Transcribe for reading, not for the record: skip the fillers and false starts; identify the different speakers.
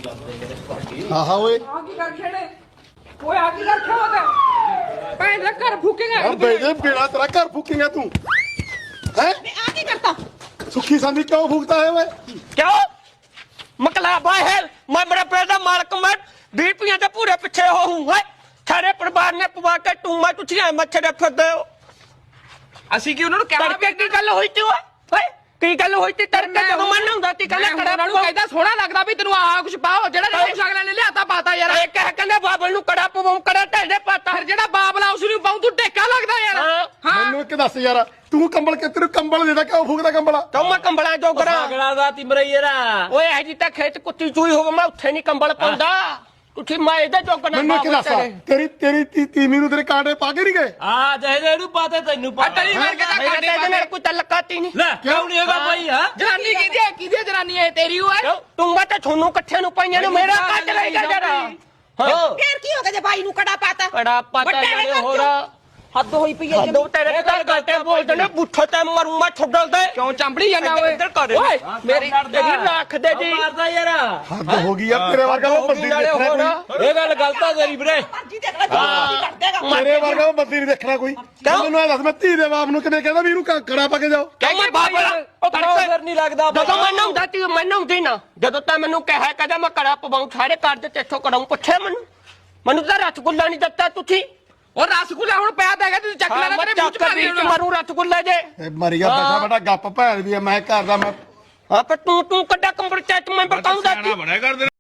Speaker 1: हाँ हाँ ओए
Speaker 2: आगे कर खेड़े ओए आगे कर खेड़ो ते पैसे कर फूकेगा
Speaker 1: अब बेटे बिना तेरा घर फूकेगा तू हैं
Speaker 2: आगे करता
Speaker 1: सुखी संदी क्यों फूकता है वे
Speaker 3: क्यों मकलाबा है मैं बड़ा पैदा मालक मैं 20 रुपये के पूरे पीछे हो हूँ है सारे परिवार ने पवा के टूमा टुछिया मच्छर फिरदे हो
Speaker 2: ਅਸੀਂ ਕੀ ਉਹਨਾਂ ਨੂੰ ਕਹਿਣਾ
Speaker 3: ਤੜਕੇ ਕੀ ਗੱਲ ਹੋਈ ਤੀ ਓਏ ਕੀ ਗੱਲ ਹੋਈ ਤੀ ਤੜਕੇ ਜਦੋਂ ਮਨ ਹੁੰਦਾ ਤੀ ਕਹਿੰਦਾ ਕੜਾ
Speaker 2: ਉਹਨਾਂ ਨੂੰ ਕਹਿੰਦਾ ਸੋਹਣਾ ਲੱਗਦਾ ਵੀ ਤੈਨੂੰ ਆਹ ਕੁਝ ਪਾਓ ਜਿਹੜਾ ਕੁਝ ਅਗਲੇ ਨੇ ਲਿਆਤਾ ਪਾਤਾ ਯਾਰ
Speaker 3: ਇਹ ਕਹਿ ਕਹਿੰਦਾ ਬਾਬਲ ਨੂੰ ਕੜਾ ਪਵਾਉਂ ਕੜਾ ਢੇਡੇ ਪਾਤਾ
Speaker 2: ਫਿਰ ਜਿਹੜਾ ਬਾਬਲਾ ਉਸ ਨੂੰ ਪਾਉ ਤੂੰ ਟੇਕਾ ਲੱਗਦਾ ਯਾਰ ਹਾਂ
Speaker 1: ਮੈਨੂੰ ਇੱਕ ਦੱਸ ਯਾਰ ਤੂੰ ਕੰਬਲ ਕਿ ਤੈਨੂੰ ਕੰਬਲ ਦੇਦਾ ਕਿਉਂ ਫੂਕਦਾ ਕੰਬਲ
Speaker 3: ਕਿਉਂ ਮੈਂ ਕੰਬਲਾਂ ਜੋਗਰਾ
Speaker 4: ਅਗਲਾ ਦਾ ਤਿਮਰਈਰਾ
Speaker 3: ਓਏ ਇਹ ਜੀ ਤਾਂ ਖੇਤ ਕੁੱਤੀ ਚੂਈ ਹੋਵੇ ਮੈਂ ਉੱਥੇ ਨਹੀਂ ਕੰਬਲ ਪਾਉਂਦਾ ਤੁਸੀਂ ਮੈਂ ਇਹਦੇ ਜੋਗਣਾ
Speaker 1: ਮੈਨੂੰ ਇੱਕ ਦੱਸ ਤੇਰੀ ਤੀਵੀਂ ਨੂੰ ਤੇਰੇ ਕਾਂਟੇ ਪਾ ਕੇ ਨਹੀਂ ਗਏ
Speaker 4: ਆ ਜਿਹਦੇ ਇਹਨੂੰ ਪਾਤੇ ਤੈਨੂੰ ਪਾ
Speaker 2: ਤੇਰੀ ਵਰਗੇ ਦਾ
Speaker 3: ਮੇਰੇ ਤੇ ਨਾਲ ਕੋਈ ਤਲਕਾਤੀ ਨਹੀਂ
Speaker 4: ਲੈ ਕਿਉਂ ਨਹੀਂ ਹੈਗਾ ਭਾਈ ਹਾਂ
Speaker 2: ਜਨਾਨੀ ਕਿਹਦੀ ਜਨਾਨੀ ਹੈ ਤੇਰੀ ਓਏ
Speaker 3: ਤੂੰ ਮੈਂ ਤਾਂ ਤੁਹਾਨੂੰ ਇਕੱਠਿਆਂ ਨੂੰ ਪਾਈਆਂ ਨੇ ਮੇਰਾ ਕੱਟ ਲਈ ਜਾ ਜਰਾ
Speaker 2: ਫੇਰ ਕੀ ਹੋ ਗਿਆ ਜੇ ਬਾਈ ਨੂੰ ਕੜਾ ਪਾਤਾ
Speaker 3: ਕੜਾ ਪਾਤਾ ਜਾਨੇ ਹੋਰ
Speaker 2: ਹੱਦ ਹੋਈ ਪਈ ਹੈ
Speaker 3: ਦੋ ਤੇਰੇ ਘਰ ਗੱਟੇ ਬੋਲਦੇ ਨੇ ਬੁੱਠੇ ਤੇ ਮਰੂ ਮੈਂ ਛੱਡਲ ਦੇ
Speaker 2: ਕਿਉਂ ਚੰਬੜੀ ਜਾਂਦਾ ਓਏ
Speaker 3: ਇੱਧਰ ਕਰ
Speaker 2: ਓਏ ਮੇਰੀ
Speaker 3: ਤੇਰੀ ਰੱਖ ਦੇ ਜੀ
Speaker 4: ਮਾਰਦਾ ਯਾਰ
Speaker 1: ਹੱਦ ਹੋ ਗਈ ਆ ਤੇਰੇ ਵਰਗਾ ਉਹ ਬੰਦੀ ਨਹੀਂ ਦੇਖਣਾ ਕੋਈ
Speaker 4: ਇਹ ਗੱਲ ਗਲਤ ਆ ਤੇਰੀ ਵੀਰੇ
Speaker 1: ਤੇਰੇ ਵਰਗਾ ਉਹ ਬੰਦੀ ਨਹੀਂ ਦੇਖਣਾ ਕੋਈ ਮੈਨੂੰ ਇਹ ਦੱਸ ਮੈਂ ਧੀ ਦੇ ਬਾਪ ਨੂੰ ਕਿਵੇਂ ਕਹਿੰਦਾ ਵੀ ਇਹਨੂੰ ਕੜਾ ਪਾ ਕੇ ਜਾਓ
Speaker 3: ਕਹਿੰਦਾ ਬਾਬਾ
Speaker 4: ਉਹ ਫਿਰ ਨਹੀਂ ਲੱਗਦਾ
Speaker 3: ਜਦੋਂ ਮੈਨੂੰ ਹੁੰਦਾ ਤੀ ਮੈਨੂੰ ਹੁੰਦੀ ਨਾ ਜਦੋਂ ਤਾਂ ਮੈਨੂੰ ਕਿਹਾ ਕਹਿੰਦਾ ਮੈਂ ਕੜਾ ਪਵਾਉਂ ਸਾਰੇ ਘਰ ਦੇ ਤੇਥੋਂ ਕਰਾਉਂ ਪੁੱਛੇ ਮੈਨੂੰ ਤਾਂ ਰਸਗੁੱਲਾ ਨਹੀਂ ਦਿੱਤਾ ਤੁਸੀਂ
Speaker 2: ਉਹ ਰਸਗੁੱਲਾ ਹੁਣ ਪਿਆ ਤਾਂ ਹੈਗਾ ਤੂੰ ਚੱਕ ਲੈਣਾ ਤੇਰੇ ਮੂੰਹ ਚ ਪਾ ਦੇ
Speaker 3: ਮਰੂ ਰਸਗੁੱਲੇ ਜੇ
Speaker 1: ਮਰ ਗਿਆ ਬੈਠਾ ਬੈਠਾ ਗੱਪ ਭੈਣ ਵੀ ਆ ਮੈਂ ਘਰ ਦਾ ਮੈਂ
Speaker 3: ਹਾਂ ਪਰ ਤੂੰ ਕੱਡਾ ਕੰਪਰਚਾਇਤ ਮੈਂਬਰ ਕਹੂੰਦਾ